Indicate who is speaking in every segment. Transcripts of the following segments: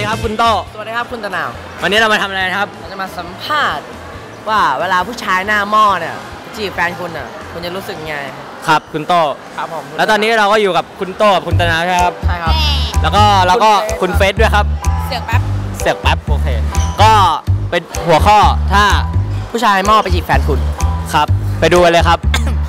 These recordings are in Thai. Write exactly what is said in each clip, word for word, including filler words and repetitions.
Speaker 1: ครับคุณโต
Speaker 2: สวัสดีครับคุณตะนาว
Speaker 1: วันนี้เรามาทำอะไรครับ
Speaker 2: เราจะมาสัมภาษณ์ว่าเวลาผู้ชายหน้าหม้อเนี่ยจีบแฟนคุณอ่ะคุณจะรู้สึกไง
Speaker 1: ครับคุณโต
Speaker 2: ครับผม
Speaker 1: แล้วตอนนี้เราก็อยู่กับคุณโตกับคุณตะนาวใช่ครับ
Speaker 2: ใช่ครับ
Speaker 1: แล้วก็เราก็คุณเฟสด้วยครับ
Speaker 3: เสือกแป๊บ
Speaker 1: เสือกแป๊บโอเคก็เป็นหัวข้อถ้า
Speaker 2: ผู้ชายหม้อไปจีบแฟนคุณ
Speaker 1: ครับไปดูกันเลยครับ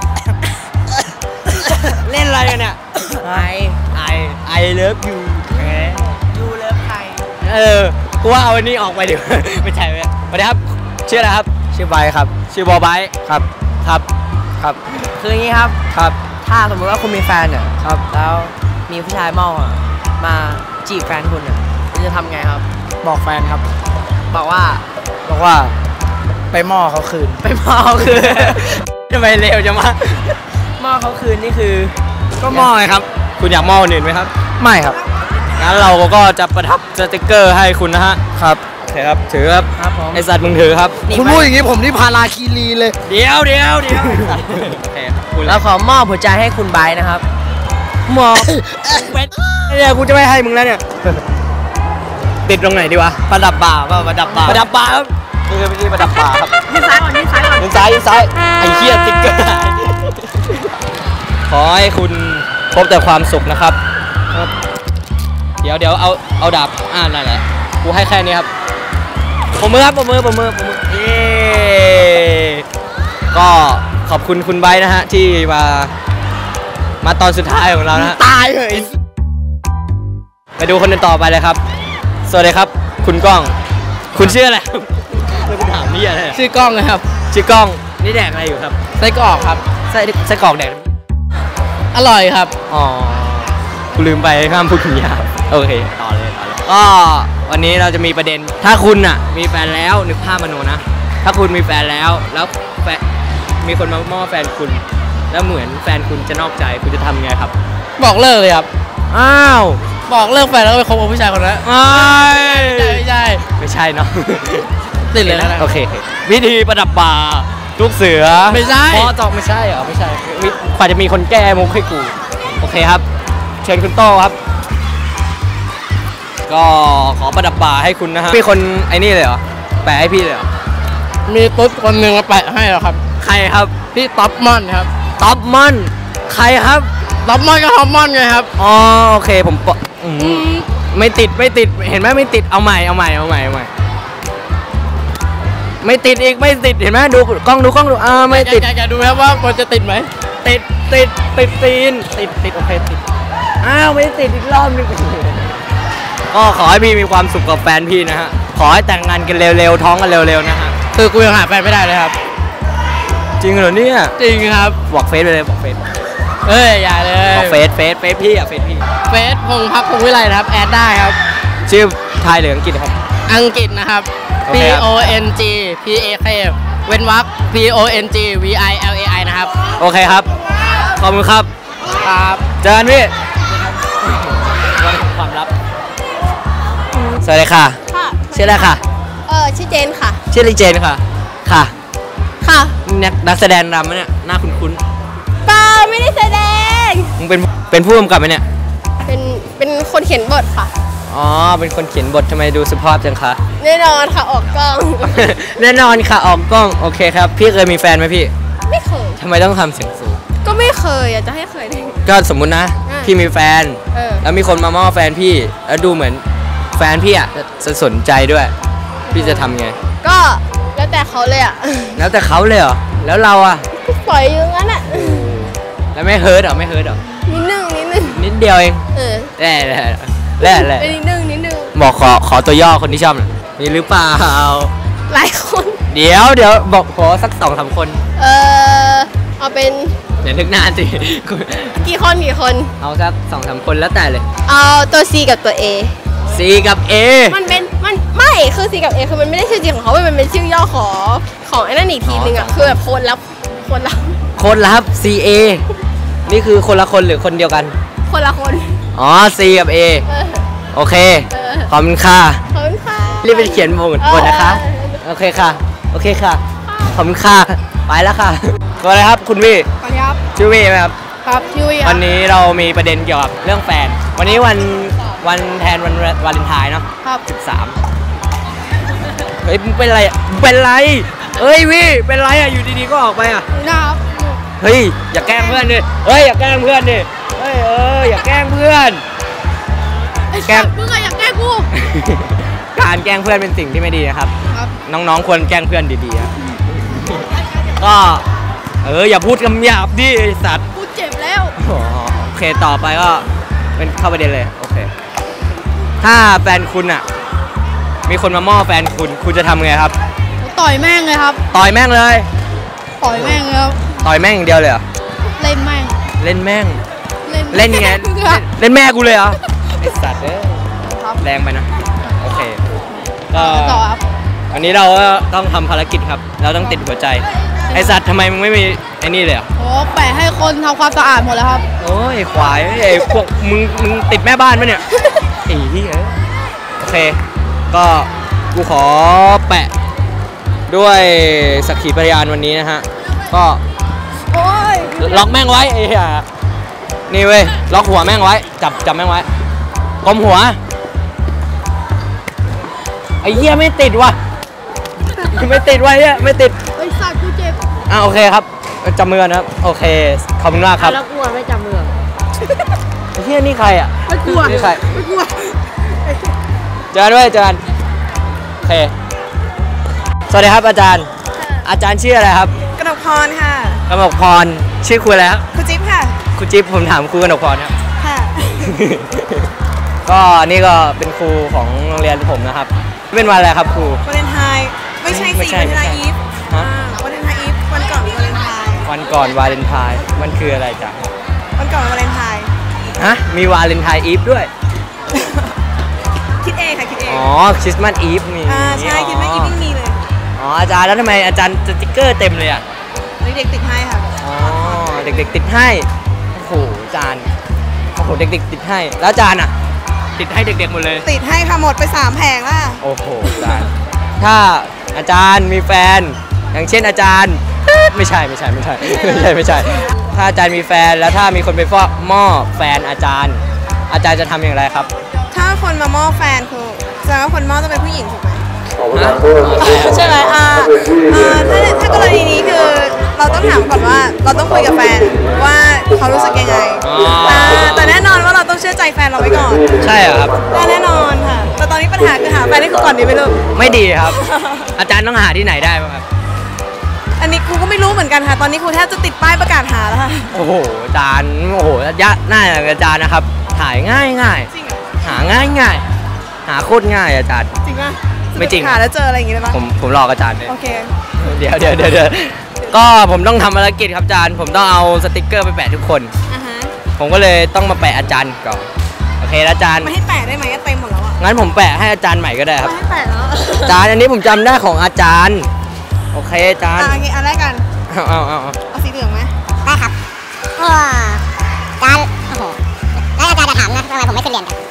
Speaker 1: เล่นอะไรกันเนี่ย
Speaker 2: ไอ
Speaker 1: ไอไอเลิฟยู
Speaker 2: ยูเลิฟใคร
Speaker 1: เออกูว่าเอาอันนี้ออกไปดิไม่ใช่ไหมสวัสดีครับชื่ออะไรครับ
Speaker 2: ชื่อไบครับ
Speaker 1: ชื่อบอไบ
Speaker 2: ครับ
Speaker 1: ครับครับ
Speaker 2: คืออย่างนี้ครับ
Speaker 1: ครับ
Speaker 2: ถ้าสมมติว่าคุณมีแฟนเนี่ยครับแล้วมีผู้ชายหม้อมาจีบแฟนคุณเนี่ยคุณจะทำไงครับ
Speaker 4: บอกแฟนครับ
Speaker 2: บอกว่า
Speaker 4: บอกว่าไปหม้อเขาคืน
Speaker 2: ไปหม้อเขาคืน
Speaker 1: ทำไมเร็วจังวะ
Speaker 2: หม้อเขาคืนนี่คือ
Speaker 1: ก็หม้อไงครับคุณอยากหม้ออื่นไหมครับ
Speaker 4: ไม่ครับ
Speaker 1: งั้นเราก็จะประทับสติกเกอร์ให้คุณนะฮะ
Speaker 4: ครับ
Speaker 1: โอเคครับถือครับ
Speaker 2: ครับผม
Speaker 1: ไอสัตว์มึงถือครับ
Speaker 4: คุณพูดอย่างนี้ผมนี่พาราคีรีเลย
Speaker 1: เดี๋ยวเดี๋ยวเดี๋ยวโอเค
Speaker 2: แล้วขอมอบหัวใจให้คุณไบร์ทนะครับ
Speaker 1: มอบเป็นเนี่ยกูจะไม่ให้มึงแล้วเนี่ยติดตรงไหนดีวะประดับบ่าป่ะประดับบ่าประดับบ่าครับนี่คือวิธีประดับบ่าครับ
Speaker 2: ยืนซ้ายก่อนยืนซ้ายก่อน
Speaker 1: ยืนซ้ายยืนซ้ายไอ้เหี้ยสติ๊กเกอร์ขอให้คุณพบแต่ความสุขนะครับเดี๋ยวเดี๋ยวเอาเอาดาบอ่านั่นแหละกูให้แค่นี้ครับปมมือครับปมมือปมมือปมมือเย้ก็ขอบคุณคุณไบร์ทนะฮะที่มามาตอนสุดท้ายของเรานะฮะ
Speaker 4: ตายเลย
Speaker 1: ไปดูคนต่อไปเลยครับสวัสดีครับคุณก้องคุณชื่ออะไรเราไปถามนี่อะไร
Speaker 4: ชื่อกล้องเลยครับ
Speaker 1: ชื่อกล้องนี่แดกอะไรอยู่ครับ
Speaker 4: ไส้กรอกครับ
Speaker 1: ไส้ไส้กรอกแดก
Speaker 4: อร่อยครับ
Speaker 1: อ๋อกูลืมไปห้ามพูดถึงยาโอเคต่อเลยต่อเลยก็วันนี้เราจะมีประเด็นถ้าคุณอ่ะมีแฟนแล้วนึกภาพมโนนะถ้าคุณมีแฟนแล้วแล้วแฟนมีคนมาม่อแฟนคุณแล้วเหมือนแฟนคุณจะนอกใจคุณจะทำไงครับ
Speaker 4: บอกเลิกเลยครับ
Speaker 1: อ้าว
Speaker 4: บอกเลิกแฟนแล้วก็ไปคบกับผู้ชายคนนั้น
Speaker 1: ไม่ใช่ไม่ใช่ไม่ใช่เนาะ
Speaker 4: ติดเลยนะ
Speaker 1: โอเควิธีประดับบ่าลูกเสือ
Speaker 4: ไม่ใช่
Speaker 1: พอจอกไม่ใช่เหรอไม่ใช่กว่าจะมีคนแก้มุกให้กูโอเคครับเชิญคุณโต้ครับก็ขอประดับบ่าให้คุณนะฮะมีคนไอ้นี่เลยเหรอแปะให้พี่เลยเหรอ
Speaker 4: มีตุ๊ดคนหนึ่งมาแปะให้เหรอครับ
Speaker 1: ใครครับ
Speaker 4: พี่ท็อปมอนครับ
Speaker 1: ท็อปมอนใครครับ
Speaker 4: ท็อปมอนก็ท็อปมอนไงครับ
Speaker 1: อ๋อโอเคผมไม่ติดไม่ติดเห็นไหมไม่ติดเอาใหม่เอาใหม่เอาใหม่เอาใหม่ไม่ติดอีกไม่ติดเห็นไหมดูกล้องดูกล้องดูอ่าไม่ติด
Speaker 4: อยากดูครับว่ามันจะติดไหม
Speaker 1: ติดติดติดตีนติดติดโอเคติดอ้าวไม่ติดอีกรอบนึงก็ขอให้พี่มีความสุขกับแฟนพี่นะฮะขอให้แต่งงานกันเร็วๆท้องกันเร็วๆนะฮะ
Speaker 4: คือกูยังหาแฟนไม่ได้เลยครับ
Speaker 1: จริงเหรอเนี่ย
Speaker 4: จริงครับ
Speaker 1: บอกเฟซไปเลยบอกเฟซ
Speaker 4: เอ้ยอย่าเลย
Speaker 1: บอกเฟซเฟซเฟซพี่อ่ะเฟซพี่
Speaker 4: เฟซพงพักพงวิไลนะครับแอดได้ครับ
Speaker 1: ชื่อไทยหรืออังกฤษครับ
Speaker 4: อังกฤษนะครับ P O N G P A K เว้นวรรค P O N G V I L A I นะครับ
Speaker 1: โอเคครับขอบคุณครับ
Speaker 4: ครับ
Speaker 1: เจอกันพี่ความลับสวัสดีค่ะ
Speaker 3: ค่ะ
Speaker 1: ชื่ออะไรค่ะ
Speaker 3: เออชื่อเจนค่ะ
Speaker 1: ชื่อลิเจนค่ะค่ะ
Speaker 3: ค่ะ
Speaker 1: นักนักแสดงนำไหมเนี่ยหน้าคุ้น
Speaker 3: ๆเปล่าไม่ได้แสดง
Speaker 1: มึงเป็นเป็นผู้กำกับไหมเนี่ย
Speaker 3: เป็นเป็นคนเขียนบทค่ะ
Speaker 1: อ๋อเป็นคนเขียนบททำไมดูสุภาพจังคะ
Speaker 3: แน่นอนค่ะออกกล้อง
Speaker 1: แน่นอนค่ะออกกล้องโอเคครับพี่เคยมีแฟนไหมพี่
Speaker 3: ไม่เคย
Speaker 1: ทำไมต้องทำเสียงสูง
Speaker 3: ก็ไม่เคยอยากจะให้เคยได้
Speaker 1: ก็สมมุตินะพี่มีแฟนแล้วมีคนมาม่อแฟนพี่แล้วดูเหมือนแฟนพี่อ่ะจะสนใจด้วยพี่จะทำไง
Speaker 3: ก็แล้วแต่เขาเลยอ่ะ
Speaker 1: แล้วแต่เขาเลยเหรอแล้วเราอ่ะ
Speaker 3: ปล่อยอย่างนั้นอ่ะ
Speaker 1: แล้วไม่เฮิร์ตหรอไม่เฮิร์ตหรอ
Speaker 3: นิดนึงนิดนึง
Speaker 1: นิดเดียวเอง
Speaker 3: เออ
Speaker 1: แร่แร่แร่แร่
Speaker 3: นิดนึงนิดนึง
Speaker 1: บอกขอขอตัวย่อคนที่ชอบหน่อยมีหรือเปล่า
Speaker 3: หลายคน
Speaker 1: เดี๋ยวเดี๋ยวบอกขอสักสองสามคน
Speaker 3: เออเอาเป็น
Speaker 1: เดี๋ยวนึกนานสิ
Speaker 3: กี่คนกี่คน
Speaker 1: เอาสักสองสามคนแล้วแต่เลย
Speaker 3: เอาตัว C กับตัว A
Speaker 1: C กับ A
Speaker 3: มันเป็นมันไม่คือ C กับ A คือมันไม่ได้ชื่อจริงของเขามันเป็นชื่อย่อขอของไอ้นั่นอีกทีนึงอ่ะคือแบบคนรับคนรับ
Speaker 1: คนรับ C A นี่คือคนละคนหรือคนเดียวกัน
Speaker 3: คนละคน
Speaker 1: อ๋อ C กับ A โอเคขอบคุณค่ะ
Speaker 3: ขอบคุณค่ะ
Speaker 1: รีบไปเขียนบทบทนะคะโอเคค่ะโอเคค่ะขอบคุณค่ะไปแล้วค่ะสวัสดีครับคุณวี่
Speaker 3: สวัสดีครับ
Speaker 1: ชื่อวี่ไหมครับ
Speaker 3: ครับชื่อวี่
Speaker 1: วันนี้เรามีประเด็นเกี่ยวกับเรื่องแฟนวันนี้วันวันแทนวันวาเลนไทน์เนาะ
Speaker 3: ครับ
Speaker 1: สิบสามเฮ้ยมึงเป็นไรอะมึงเป็นไรเฮ้ยวิเป็นไรอะอยู่ดีๆก็ออกไปอะ
Speaker 3: นะครับ
Speaker 1: เฮ้ยอย่าแกล้งเพื่อนดิเฮ้ยอย่าแกล้งเพื่อนดิเฮ้ยเอออย่าแกล้งเพื่อน
Speaker 3: ไอ้
Speaker 1: แกล้
Speaker 3: สั
Speaker 1: ง
Speaker 3: ตว์มึงอะอยากแกล้งกู
Speaker 1: การแกล้งเพื่อนเป็นสิ่งที่ไม่ดีนะครับ
Speaker 3: ครับ
Speaker 1: น้องๆควรแกล้งเพื่อนดีๆครับก็เอออย่าพูดคำหยาบดิไอ้สัตว์
Speaker 3: กูเจ็บแล้ว
Speaker 1: อ๋อโอเคต่อไปก็เป็นเข้าประเด็นเลยโอเคถ้าแฟนคุณอ่ะมีคนมาม่อแฟนคุณคุณจะทำไงครับ
Speaker 3: ต่อยแม่งเลยครับ
Speaker 1: ต่อยแม่งเลย
Speaker 3: ต่อยแม่งเลยครับ
Speaker 1: ต่อยแม่งอย่างเดียวเลยเหรอ
Speaker 3: เล่นแม่ง
Speaker 1: เล่นแม่ง
Speaker 3: เล่น
Speaker 1: เล่นไง
Speaker 3: ครับ
Speaker 1: เล่นแม่กูเลยเหรอไอสัตว์เอ้ย
Speaker 3: ครับ
Speaker 1: แรงไปนะโอเคก็
Speaker 3: ต่อครับ
Speaker 1: วันนี้เราก็ต้องทำภารกิจครับ เราต้องติดหัวใจไอสัตว์ทำไมมึงไม่มีไอ้นี่เลยเหรอ
Speaker 3: โอ้แปะให้คนทำความสะอาดหมดแล้วครับ
Speaker 1: โอ้ยควายไอ้พวกมึงมึงติดแม่บ้านปะเนี่ยไอ้เหี้ยโอเค ก็กูขอแปะด้วยสักขีพยานวันนี้นะฮะก็
Speaker 3: โอ้ย
Speaker 1: ล็อกแม่งไว้ไอ้เหี้ยนี่เว้ยล็อกหัวแม่งไว้จับจับแม่งไว้กลมหัวไอ้เหี้ยไม่ติดว่ะไม่ติดว่ะเหี้ยไม่ติด
Speaker 3: ไอ้สัตว์กูเจ็บ
Speaker 1: อ่ะโอเคครับจับมือนะครับโอเคขอบคุณมากครับ
Speaker 2: แล้วกลัวไม่จำเมือง
Speaker 1: ไอ้เหี้ยนี่ใครอ่ะ
Speaker 3: ไม่กลัว
Speaker 1: นี่ใคร
Speaker 3: ไม่กลัว
Speaker 1: เจอกันด้วยเจอกันโอเคสวัสดีครับอาจารย์ อาจารย์ชื่ออะไรครับ
Speaker 2: กนกพรค่ะ
Speaker 1: กนกพรชื่อครูอะไรครับ
Speaker 2: คุณจิ๊บค่ะ
Speaker 1: ครูจิ๊บผมถามครูกนกพรครับ
Speaker 2: ค่ะ
Speaker 1: ก็นี่ก็เป็นครูของโรงเรียนผมนะครับเป็นวันอะไรครับครู
Speaker 2: วาเลนไทน์ไม่ใช่
Speaker 1: ไม่
Speaker 2: สิ
Speaker 1: ใช่
Speaker 2: วาเลนไทน์อีฟ
Speaker 1: ฮะ
Speaker 2: วาเลนไทน์อีฟวันก่อนวาเลนไทน์
Speaker 1: วันก่อนวาเลนไทน์มันคืออะไรจ๊ะ
Speaker 2: วันก่อนวาเลนไทน์
Speaker 1: ฮะมีวาเลนไทน์อีฟด้วย
Speaker 2: คิดเองค่ะคิดเอง
Speaker 1: อ๋อคริสต์มาสอีฟมี
Speaker 2: อ่าใช่คิดว่าอีฟยังมีเลย
Speaker 1: อ๋ออาจารย์แล้วทำไมอาจารย์สติ๊กเกอร์เต็มเลยอ่ะ
Speaker 2: เด็กๆติดให้ค่ะ
Speaker 1: อ๋อเด็กๆติดให้โอ้โหอาจารย์โอ้โหเด็กๆติดให้แล้วอาจารย์อ่ะติดให้เด็กๆหมดเลย
Speaker 2: ติดให้ค่ะหมดไปสามแผงละ
Speaker 1: โอ้โหอาจารย์ถ้าอาจารย์มีแฟน อย่างเช่นอาจารย์ไม่ใช่ไม่ใช่ไม่ใช่ไม่ใช่ไม่ใช่ ถ้าอาจารย์มีแฟนแล้วถ้ามีคนไปฟอกหม้อแฟนอาจารย์ อาจารย์จะทำอย่างไรครับ
Speaker 2: ถ้าคนมาหม้อแฟนคือแสดงว่าคนหม้อต้องเป็นผู้หญิงถูกไหม
Speaker 1: ฮะ
Speaker 2: ใช่ไหมอ่าอ่าถ้าถ้ากรณีนี้คือเราต้องถามก่อนว่าเราต้องคุยกับแฟนว่าเขารู้สึกยังไง
Speaker 1: อ๋อ
Speaker 2: อ่าแต่แน่นอนว่าเราต้องเชื่อใจแฟนเราไว้ก่อน
Speaker 1: ใช่เหรอครับ
Speaker 2: ได้แน่นอนค่ะ แต่ตอนนี้ปัญหาคือหาแฟนให้เขาก่อนดีไหมลูก
Speaker 1: ไม่ดีครับ อาจารย์ต้องหาที่ไหนได้บ้างครับ
Speaker 2: อันนี้ครูก็ไม่รู้เหมือนกันค่ะ ตอนนี้ครูแทบจะติดป้ายประกาศหาแล้วค่ะ
Speaker 1: โอ้โหอาจารย์โอ้โหยะหน้าอย่างอาจารย์นะครับ ถ่ายง่ายง่าย
Speaker 2: จริงเหรอ
Speaker 1: หาง่ายง่ายหาโคตรง่ายอาจารย์
Speaker 2: จริงป่ะ
Speaker 1: ไม่จริง
Speaker 2: หาแล้วเจออะไรอย่างงี้ได้ปะ
Speaker 1: ผมผมหลอกอาจารย์เลย
Speaker 2: โอเค
Speaker 1: เดี๋ยวเดี๋ยวเดี๋ยวเดี๋ยวก็ผมต้องทำภารกิจครับอาจารย์ผมต้องเอาสติกเกอร์ไปแปะทุกคน
Speaker 2: อ่าฮะ
Speaker 1: ผมก็เลยต้องมาแปะอาจารย์ก่อนโอเคแล้วอาจารย์
Speaker 2: ไม่ให้แปะได้ไหมเต็มหมดแล้วอ่ะ
Speaker 1: งั้นผมแปะให้อาจารย์ใหม่ก็ได้ครับ
Speaker 2: ไม่ให้แปะแล้ว
Speaker 1: อาจารย์อันนี้ผมจำได้ของอาจารย์โอเคอาจารย์
Speaker 2: อ่าโอเคอันแรกกัน
Speaker 1: เอาเอาเอาเอา
Speaker 2: เอาสีเหลืองไหม
Speaker 5: ได้ครับโอ้อาจารย์โอ้โห แล้วอาจารย์จะถามนะทำไมผมไม่ขึ้นเรียนกัน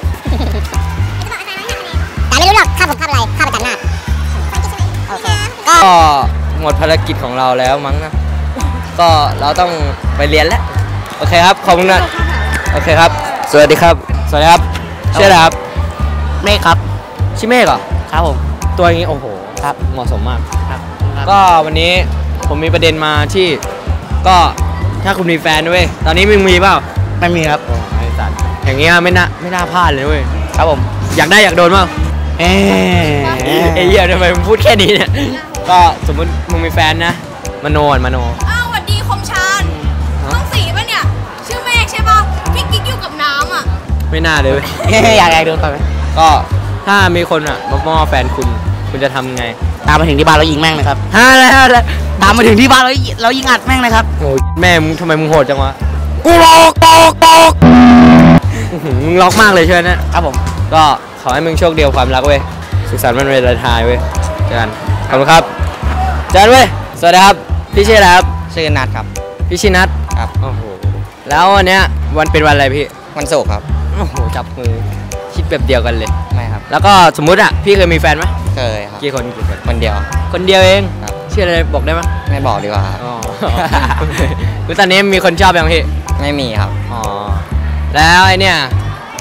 Speaker 5: แต่ไม่รู้หรอกข้าผมข้าอะไรข้าประจันหน้าโอเค ก็
Speaker 1: ก็หมดภารกิจของเราแล้วมั้งนะก็เราต้องไปเรียนแล้วโอเคครับขอบคุณนะโอเคครับ สวัสดีครับ สวัสดีครับชื่ออะไรครับ
Speaker 4: เมฆครับ
Speaker 1: ชื่อเมฆเหรอ
Speaker 4: ครับผม
Speaker 1: ตัวอย่างนี้โอ้โหครับเหมาะสมมาก
Speaker 4: ครับ
Speaker 1: ก็วันนี้ผมมีประเด็นมาที่ก็ถ้าคุณมีแฟนด้วยตอนนี้มึงมีเปล่า
Speaker 4: ไม่มีครับ
Speaker 1: โอ้ไอ้สัตว์อย่างเงี้ยไม่น่าไม่น่าพลาดเลยเว้ย
Speaker 4: ครับผม
Speaker 1: อยากได้อยากโดนเปล่า
Speaker 4: เอ๊ะ
Speaker 1: ไอ้เหี้ยทำไมมึงพูดแค่นี้เนี่ยก็สมมติมึงมีแฟนนะมโนอ่ะมโน
Speaker 3: อ้าวสวัสดีคมชานห้องสีป่ะเนี่ย ชื่อเมฆใช่ป่ะพี่กิ๊กอยู่กับน้ำอ่ะ
Speaker 1: ไม่น่าเลยเว้ย
Speaker 4: อยากอยากโดนต่อยไหม
Speaker 1: ก็ถ้ามีคนอ่ะมาม่อแฟนคุณคุณจะทำไง
Speaker 4: ตามมาถึงที่บ้านเรายิงแม่งเลยครับ
Speaker 1: ฮะอะไรอะไร
Speaker 4: ตามมาถึงที่บ้านเราเรายิงอัดแม่งเลยครับ
Speaker 1: โอ้ยแม่มึงทำไมมึงโหดจังวะกูหลอกตอกตอกมึงล็อกมากเลยใช่ไหมเนี่ย
Speaker 4: ครับผม
Speaker 1: ก็ขอให้มึงโชคดีกับความรักเว้ยสุขสันต์วันวาเลนไทน์เว้ยเจอกันขอบคุณครับเจอกันเว้ยสวัสดีครับพี่ชื่ออะไรครับ
Speaker 4: ชื่อนัดครับ
Speaker 1: พี่ชินัท
Speaker 4: ครับ
Speaker 1: โอ้โหแล้ววันเนี้ยวันเป็นวันอะไรพี่
Speaker 4: วันศุกร์ครับ
Speaker 1: โอ้โหจับมือคิดแบบเดียวกันเลย
Speaker 4: ไม่ครับ
Speaker 1: แล้วก็สมมุติอ่ะพี่เคยมีแฟนไหม
Speaker 4: เคยครับ
Speaker 1: กี่คนกี่คน
Speaker 4: คนเดียว
Speaker 1: คนเดียวเอง
Speaker 4: ครับ
Speaker 1: ชื่ออะไรบอกได้ไหม
Speaker 4: ไม่บอกดีกว่าครับ
Speaker 1: อ๋อ คือตอนนี้มีคนชอบยังพี่
Speaker 4: ไม่มีครับ
Speaker 1: อ๋อแล้วไอเนี่ยส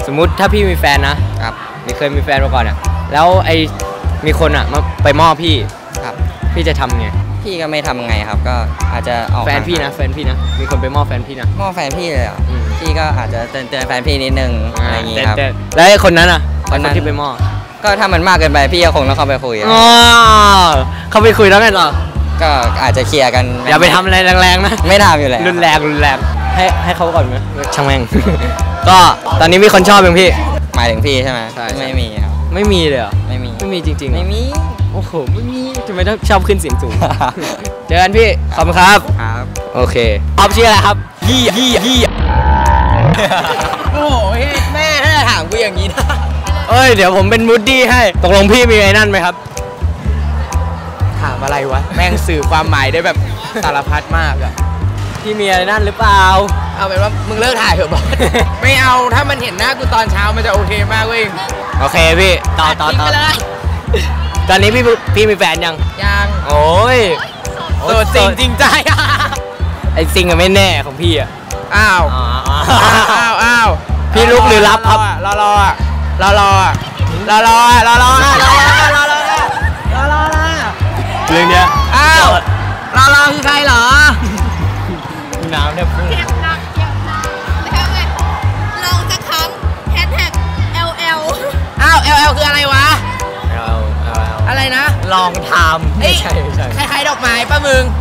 Speaker 1: สมมุติถ้าพี่มีแฟนนะครับนี่เคยมีแฟนมาก่อนอ่ะแล้วไอมีคนอ่ะมาไปมอบพี่ครับพี่จะทำไงพี่ก็ไม่ทำไงครับก็อาจจะออกแฟนพี่นะแฟนพี่นะมีคนไปมอบแฟนพี่นะมอบแฟนพี่เลยอ่ะพี่ก็อาจจะเตือนเตือนแฟนพี่นิดนึงอะไรอย่างงี้ครับแล้วไอ้คนนั้นอ่ะคนที่ไปมอบก็ถ้ามันมากเกินไปพี่ก็คงต้องเข้าไปคุยอ๋อเข้าไปคุยแล้วไงต่อก็อาจจะเคลียร์กันอย่าไปทำอะไรแรงๆนะไม่ทำอยู่แล้วรุนแรงรุนแรงให้ให้เขาก่อนไหมช่างแม่ง ก็ตอนนี้มีคนชอบยังพี่หมายถึงพี่ใช่ไหมใช่ไม่มีครับไม่มีเลยเหรอไม่มีไม่มีจริงๆไม่มีโอ้โหไม่มีทำไมต้องชอบขึ้นเสียงสูง เจอกันพี่ขอบคุณครับครับโอเคออฟชื่ออะไรครับยี่ยี่ยี่โอ้โหแม่ถ้าจะถามกูอย่างนี้นะเอ้ยเดี๋ยวผมเป็นมูดดี้ให้ตกลงพี่มีไอ้นั่นไหมครับถามอะไรวะแม่งสื่อความหมายได้แบบสารพัดมากอะพี่มีอะไรนั่นหรือเปล่าเอาเป็นว่ามึงเลิกถ่ายเถอะบอส ไม่เอาถ้ามันเห็นหน้ากูตอนเช้ามันจะโอเคมากเว้ยโอเคพี่ต่อต่อต่อตอนนี้พี่พี่มีแฟนยังยังโอ้ยโสดจริงจริงใจไอ้ซิงอะไม่แน่ของพี่อะอ้าวอ้าวอ้าวพี่ลุกหรือรับครับรอรอรอรอรอรอรอรอรอรอรอรอรอรอเรื่องเนี้ยอ้าวรอรอคือใครเหรอน้ำเนี่ยพุ่ง
Speaker 3: เจ็บหนักเจ็บหนักแล้วไงลองสักครั้งแฮชแท็ก แอล แอล
Speaker 1: อ้าว แอล แอล คืออะไรวะ แอล แอล อะไรนะลองทำไม่ใช่ไม่ใช่คล้ายๆดอกไม้ป้ามึง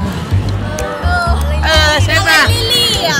Speaker 1: เออใช่ป่ะลิลลี่อ่ะ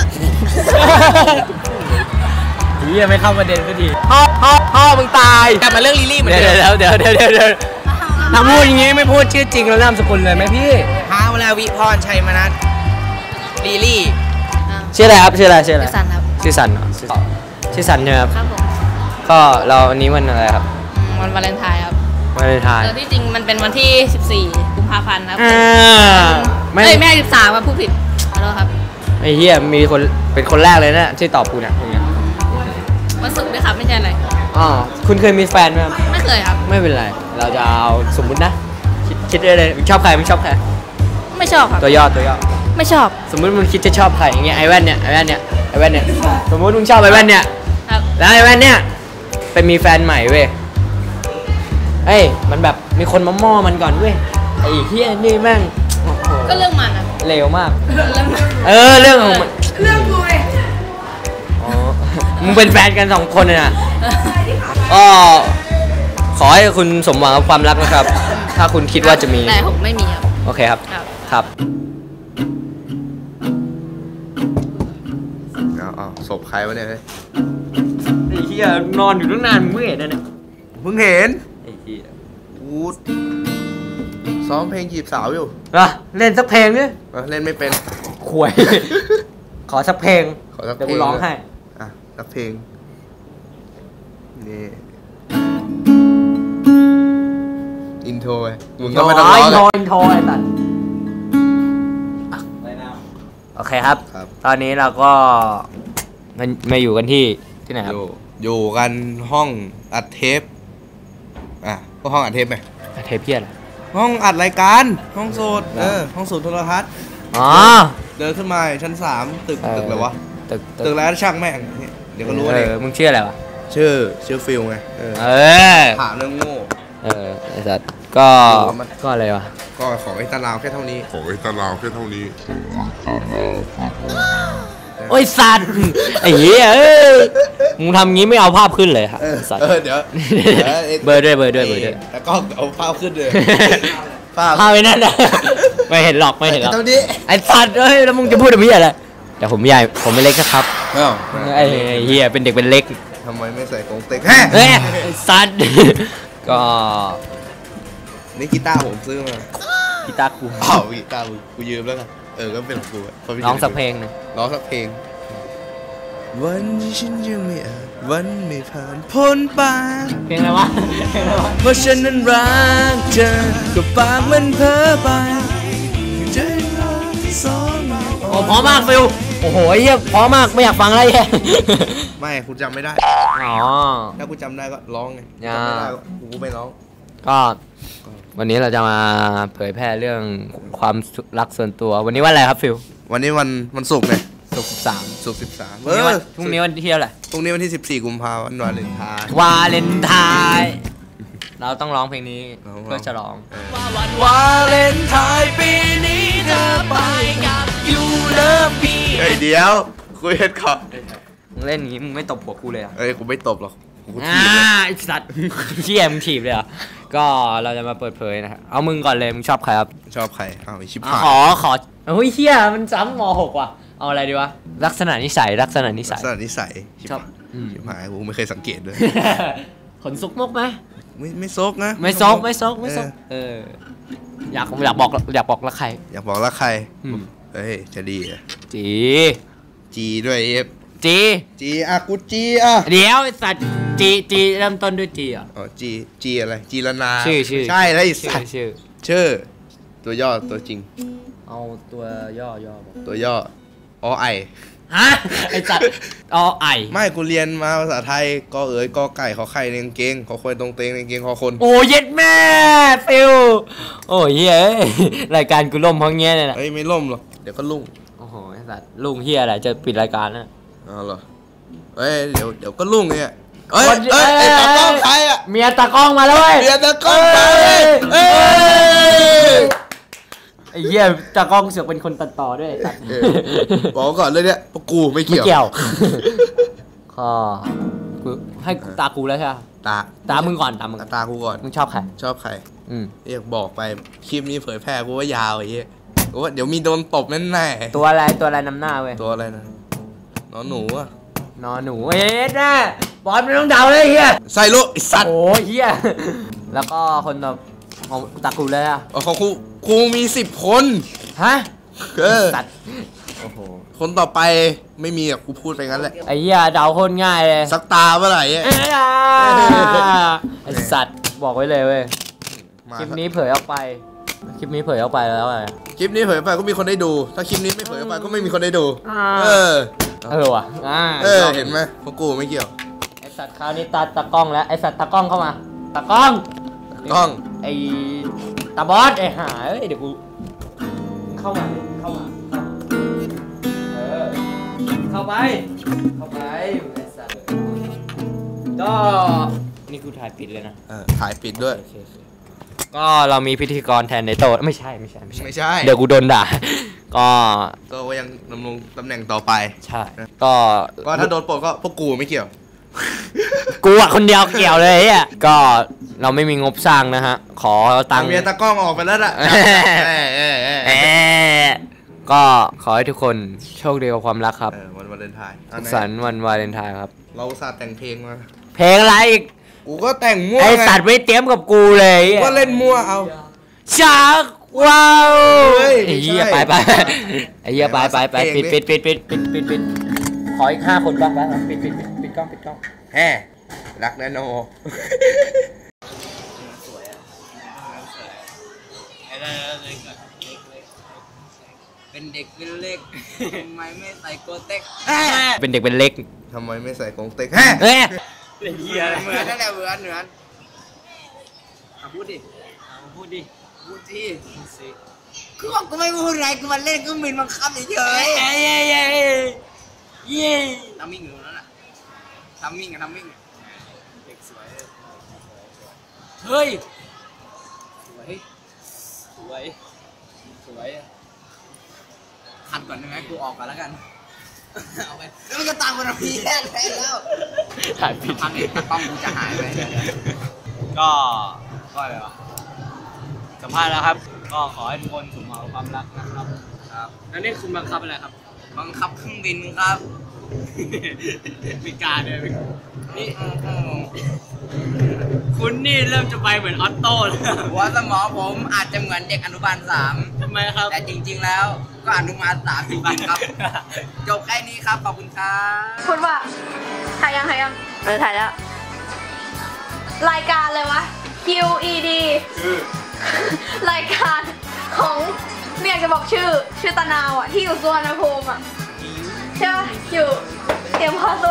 Speaker 1: พี่ยังไม่เข้าประเด็นสักทีพ่อพ่อพ่อมึงตายกลับมาเรื่องลิลลี่เหมือนเดิมเดี๋ยวเดี๋ยวเดี๋ยวเดี๋ยวเดี๋ยวถ้าพูดอย่างงี้ไม่พูดชื่อจริงแล้วนามสกุลเลยไหมพี่ฮาวลาวิพรชัยมนัสลิลลี่ชื่ออะไรครับชื่ออะไรชื่ออะไรชื่อสันครับชื่อสันเหรอชื่อสันใช่ไหมครับครับผมก็เราวันนี้วันอะไรครับ
Speaker 3: วันวาเลนไทน์ครับ
Speaker 1: วาเลนไทน์
Speaker 3: แต่ที่จริงมันเป็นวันที่สิบสี่กุมภาพันธ์ครับ
Speaker 1: ไม่
Speaker 3: ไม่ไม่สิบสามครับผู้ผิดขอโทษครับ
Speaker 1: ไอ้เหี้ยมีคนเป็นคนแรกเลยนะที่ตอบกูเนี่ยตรงเนี้ย
Speaker 3: วันศุกร์ด้วยครับไม่ใช่อะไร
Speaker 1: อ๋อคุณเคยมีแฟนไหมครับ
Speaker 3: ไม่เคยครับ
Speaker 1: ไม่เป็นไรเราจะเอาสมมุตินะคิดคิดได้เลยชอบใครไม่ชอบใคร
Speaker 3: ไม่ชอบครับ
Speaker 1: ตัวย่อตัวย่อ
Speaker 3: ไม่ชอบ
Speaker 1: สมมุติมึงคิดจะชอบใครอย่างเงี้ยไอแว่นเนี่ยไอแว่นเนี่ยไอแว่นเนี่ยสมมุติมึงชอบไอแว่นเนี่ยแล้วไอแว่นเนี่ยไปมีแฟนใหม่เว้ยเอ้ยมันแบบมีคนมาม่อมันก่อนเว้ยไอ้เฮียนี่แม่ง
Speaker 3: ก็เรื่องมันอะ
Speaker 1: เลวมากเออเรื่องของมัน
Speaker 3: เรื่องกูเอง
Speaker 1: อ๋อมึงเป็นแฟนกันสองคนเลยนะก็ขอให้คุณสมหวังกับความรักนะครับถ้าคุณคิดว่าจะมี
Speaker 3: แต่ผมไม่มีครับ
Speaker 1: โอเคครับครับ
Speaker 6: เอาเอาศพใครวะเนี่ยเฮ้ย
Speaker 1: ไอ้เหี้ยนอนอยู่ตั้งนานมึงเห็นนะเนี่ย
Speaker 6: มึงเห็น
Speaker 1: ไอ้เหี้ย
Speaker 6: กูซ้อมเพลงจีบสาวอยู่
Speaker 1: อ่ะเล่นสักเพลงดิ
Speaker 6: เล่นไม่เป็น
Speaker 1: ขวยขอสักเพลง
Speaker 6: ขอสักเพลง
Speaker 1: เดี๋ยวกูร้องให้
Speaker 6: อ่ะสักเพลงนี่อินโทรไงมึงก็ไม่ต้องร้องเลย
Speaker 1: อินโทรไอ้สัตว์โอเคครับตอนนี้เราก็มามาอยู่กันที่ที่ไหนครับ
Speaker 6: อยู่กันห้องอัดเทปอ่ะก็ห้องอัดเทปไหม
Speaker 1: อัดเทปเพี้ยน
Speaker 6: ห้องอัดรายการห้องโสดเออห้องโสดโทรทัศน์
Speaker 1: อ๋อ
Speaker 6: เดินขึ้นมาชั้นสามตึกตึกอะไรวะตึกตึกแล้วช่างแม่งเดี๋ยวก็รู้เลย
Speaker 1: มึงชื่ออะไรวะ
Speaker 6: ชื่อชื่อฟิลไงเออถามเรื่องโง่
Speaker 1: เออไอ้สัตว์ก็ก็อะไรวะ
Speaker 6: ก็ขอไอ้ตารางแค่เท่านี้ขอไอ้ตารางแค่เท่านี้
Speaker 1: โอ้ยสัตว์ไอ้เหี้ยเอ้ยมึงทำงี้ไม่เอาภาพขึ้นเลยครับสัตว์
Speaker 6: เออเดี๋ยว
Speaker 1: เบอร์ด้วยเบอร์ด้วยเบอร์ด้วย
Speaker 6: แต่ก็เอาภาพขึ้นเลย
Speaker 1: ภาพภาพไว้นั่นนะไม่เห็นหรอกไม่เห็นหรอกไอ้สัตว์เอ้ยแล้วมึงจะพูดอะไรอะไรแต่ผมใหญ่ผมไม่เล็กนะครับไอ้เหี้ยเป็นเด็กเป็นเล็ก
Speaker 6: ทำไมไม่ใส่กงเต็ก
Speaker 1: เฮ้ยสัตว์ก็
Speaker 6: นี่กีตาร์ผมซื้อมา
Speaker 1: กีตาร์กู
Speaker 6: อ้าวกีตาร์กูยืมแล้วกันเออก็เป็นของกู
Speaker 1: ร้องสักเพลงนึง
Speaker 6: ร้องสักเพลงวันที่ฉันยังไม่อาจวันไม่ผ่านพ้นไป
Speaker 1: เพลงอะไรวะเพลงอะไรวะ
Speaker 6: เพราะฉันนั้นรักเธอกับปากมันเพ้อไปใจเราสอง
Speaker 1: โอ้พอมากฟิลโอ้โหเฮียพอมากไม่อยากฟังอะไรแย่
Speaker 6: ไม่คุณจำไม่ได้
Speaker 1: อ๋อ
Speaker 6: ถ้าคุณจำได้ก็ร้องไงจำไม่ได้ก็กูไม่ร้อง
Speaker 1: ก็วันนี้เราจะมาเผยแพร่เรื่องความรักส่วนตัววันนี้วันอะไรครับฟิล
Speaker 6: วันนี้วันวันศุกร์ไง
Speaker 1: ศุกร์สิบสาม
Speaker 6: ศุกร์สิบสาม
Speaker 1: พรุ่งนี้วันพรุ่งนี้วันที่เท่าไหร่
Speaker 6: พรุ่งนี้วันที่สิบสี่กุมภาพันธ์วันวาเลนไทน์
Speaker 1: วาเลนไทน์เราต้องร้องเพลงนี้เพื่อฉลองวาเลนไทน์ปีนี้เธอไปกับยูเลิฟมี
Speaker 6: เฮ้ยเดี๋ยวคุยกันก่อน
Speaker 1: มึงเล่นอย่างนี้มึงไม่ตบหัวกูเลยอ่ะ
Speaker 6: เอ้ยกูไม่ตบหรอกกู
Speaker 1: อ่า
Speaker 6: ถีบเลย
Speaker 1: ไอ้สัตว์เชี่ยมึงถีบเลยเหรอ่ะก็เราจะมาเปิดเผยนะครับเอามึงก่อนเลยมึงชอบใครครับ
Speaker 6: ชอบใครอ้าวไอ้ชิบ
Speaker 1: อ่ะ
Speaker 6: หาย
Speaker 1: ขอขอเฮ้ยเชี่ยมันซ้ำมหกว่ะเอาอะไรดีวะลักษณะนิสัยลักษณะนิสัย
Speaker 6: ลักษณะนิสัยชิบ
Speaker 1: ชอบ
Speaker 6: หาย
Speaker 1: อืม
Speaker 6: ชิบหายกูไม่เคยสังเกตเลย
Speaker 1: ขนซุกมกไหม
Speaker 6: ไม่ไม่ซกนะ
Speaker 1: ไม่ซกไม่ซกไม่ซกเอออยากอยากบอกอยากบอกรักใคร
Speaker 6: อยากบอกรักใคร
Speaker 1: อืม
Speaker 6: เฮ้ยจะดีอะ
Speaker 1: จี
Speaker 6: จีด้วยเอฟ
Speaker 1: จี
Speaker 6: จีอะกูจีอะ
Speaker 1: เดี๋ยวไอ้สัตว์จีจีเริ่มต้นด้วยจีอ่ะ
Speaker 6: อ๋อจีจีอะไรจีรนา
Speaker 1: ชื่อชื่อ
Speaker 6: ใช่แล้วไอ้
Speaker 1: ชื่
Speaker 6: สั
Speaker 1: อ
Speaker 6: ตว์
Speaker 1: ชื่อ
Speaker 6: ชื่อตัวย่อตัวจริง
Speaker 1: เอาตัวย่อย่อบอก
Speaker 6: ตัวย่ออไอ
Speaker 1: ฮะไอ้สัตว์อไอ
Speaker 6: ไม่กูเรียนมาภาษาไทยกอเอ๋ยกอไก่ขอไข่ในกางเกงขอควายตรงเตงในกางเกงขอคน
Speaker 1: โอ้เย็ดแม่ฟิวโอ้ยเฮ้ยรายการกูล่มเพราะเงี้ยเนี่ยแหละ
Speaker 6: เอ้ยไม่ล่มหรอกเดี๋ยวก็ลุ่ง
Speaker 1: โอ้โหไอ้สัตว์ลุงเฮียอะไรจะปิดรายการนะ
Speaker 6: อ๋อเหรอเอ้ยเดี๋ยวเดี๋ยวก็ลุ่งเนี่ยเอ้ยเอ้ยไอ้ตากล้องใครอะ
Speaker 1: เมียตากล้องมาแล้วเว้ย
Speaker 6: เมียตากล้องใครเอ้ย
Speaker 1: ไอ้เหี้ยตากล้องเสือกเป็นคนตัดต่อด้วย
Speaker 6: เออบอกก่อนเลยเนี่ยพวกกูไม่
Speaker 1: ไม่
Speaker 6: เกี่ยว
Speaker 1: เกี่ยวก็กูให้ตากูแล้วใช่ไหม
Speaker 6: ตา
Speaker 1: ตามึงก่อนตามึง
Speaker 6: ตากูก่อน
Speaker 1: มึงชอบใคร
Speaker 6: ชอบใคร
Speaker 1: อืม
Speaker 6: เรียกบอกไปคลิปนี้เผยแพร่กูว่ายาวไอ้เหี้ยกูว่าเดี๋ยวมีโดนตบแน่แน่
Speaker 1: ตัวอะไรตัวอะไรนำหน้าเว้ย
Speaker 6: ตัวอะไรนะน้องหนูอะ
Speaker 1: นอนหนูเอ๊ะแน่บอลไม่ต้องเดาเลยเฮีย
Speaker 6: ใส่ลูกไอ้สัตว์
Speaker 1: โอ้ยเฮียแล้วก็คนต่อของตากูเลยอะ
Speaker 6: อ๋อของครูครูมีสิบคน
Speaker 1: ฮะ
Speaker 6: เออ
Speaker 1: สัตว์โอ้โห
Speaker 6: คนต่อไปไม่มีอะกูพูดไปงั้นแหละ
Speaker 1: ไอ้เฮียเดาโคนง่ายเลย
Speaker 6: สักตาเมื่อไหร่อะ
Speaker 1: เอ้ยอ่ะไอ้สัตว์บอกไว้เลยเว้ย
Speaker 6: มา
Speaker 1: คลิปนี้เผยออกไปคลิปนี้เผยออกไปแล้วอะไร
Speaker 6: คลิปนี้เผยไปก็มีคนได้ดู ถ้าคลิปนี้ไม่เผยไปก็ไม่มีคนได้ดู
Speaker 1: อ่า
Speaker 6: เออ
Speaker 1: เออว่ะอ่า
Speaker 6: เออเห็นไหมพวกกูไม่เกี่ยว
Speaker 1: ไอสัตว์คราวนี้ตาตากล้องแล้วไอสัตว์ตากล้องเข้ามาตากล้อง
Speaker 6: กล้อง
Speaker 1: ไอตาบอสไอหาเอ้ยเดี๋ยวกูเข้ามาเข้ามาเข้ามาเออเข้าไปเข้าไปไอสัตว์ก็นี่กูถ่ายปิดเลยนะ
Speaker 6: เออถ่ายปิดด้วย
Speaker 1: โอเคโอเคก็เรามีพิธีกรแทนในโต๊ะไม่ใช่ไม่ใช่ไม่ใช่
Speaker 6: ไม่ใช่
Speaker 1: เดี๋ยวกูโดนด่า ก็
Speaker 6: ก็ยังดำรงตำแหน่งต่อไป
Speaker 1: ใช่ก็
Speaker 6: ก็ถ้าโดนปลดก็พวกกูไม่เกี่ยว
Speaker 1: กูอะคนเดียวเกี่ยวเลยอ่ะก็เราไม่มีงบสร้างนะฮะ ขอตังค์
Speaker 6: เมียตากล้องออกไปแล้วล่ะ
Speaker 1: เออ
Speaker 6: เออเออ
Speaker 1: เอ๊ะก็ขอให้ทุกคนโชคดีกับความรักครับ
Speaker 6: เออวันวาเลนไทน์
Speaker 1: สุขสันต์วันวาเลนไทน์ครับ
Speaker 6: เราอุตส่าห์แต่งเพลงมา
Speaker 1: เพลงอะไรอีก
Speaker 6: กูก็แต่งมั่ว
Speaker 1: ไอ
Speaker 6: ไง
Speaker 1: สัตว์ไม่เตรียมกับกูเลย
Speaker 6: กูก็เล่นมั่วเอา
Speaker 1: จากว้าว
Speaker 6: เฮ้ย
Speaker 1: ไอ้เหี้ย
Speaker 6: ไม่
Speaker 1: ไป
Speaker 6: ใช่
Speaker 1: ไปไอ้เหี้ยไปไปไป
Speaker 6: เพล
Speaker 1: ปิ
Speaker 6: ง
Speaker 1: ด
Speaker 6: ดิ
Speaker 1: ปิดปิดปิดปิดปิดปิดขออีกห้าคนก่อนไปปิดปิดปิดปิดกล้องปิดกล้อง
Speaker 6: แฮ่รักแน่นอน
Speaker 1: เป็นเด็กเป็นเล็กทำไมไม่ใส่โกเต็กเป็นเด็กเป็นเล็ก
Speaker 6: ทำไมไม่ใส่กงเต็กแฮ่
Speaker 1: เฮ้ย
Speaker 6: เหมือนนั่นแหละเหมือนเหมือน
Speaker 1: พูดดิพูดดิ
Speaker 6: พูดที่กูบอกกูไม่พูดอะไรกูมาเล่นกูมินบังคับเฉย
Speaker 1: เย้เย้เย้เย้
Speaker 6: ๆทำมิ่งอยู่นั่นแหละทำมิ่งอะทำมิ่งเด็กสวย
Speaker 1: เฮ้ยสวยสวยสวย
Speaker 6: คัดก่อนได้ไหมกูออกก่อนแล้วกันเอาไปแล้วมันก็ตามกันพี่แค่แล้ว
Speaker 1: ถ่ายผิด
Speaker 6: พังอีกกล้องกูจะหายไป
Speaker 1: ก็ก็อะไรวะสัมภาษณ์แล้วครับ ก็ขอให้ทุกคนสมหวังความรักนะครับครับแล้วนี่คุณบังคับอะไรครับ
Speaker 6: บังคับเครื่องบินครับ
Speaker 1: มีการเลยนี่คุณนี่เริ่มจะไปเหมือนออตโต้เลย
Speaker 6: หัวสมองผมอาจจะเหมือนเด็กอนุบาลสาม
Speaker 1: ทำไมครับ
Speaker 6: แต่จริงๆแล้วก็อนุบาลสามจริงๆครับ จบแค่นี้ครับ ขอบคุณครับ
Speaker 2: พูดว่าถ่ายยังถ่ายยังเออถ่ายแล้ว รายการเลยวะ คิว อี ดี รายการของไม่อยากจะบอกชื่อ ชื่อตะนาวอ่ะ ที่อยู่สุวรรณภูมิอ่ะใช่ปะอยู่เตรียมข้อส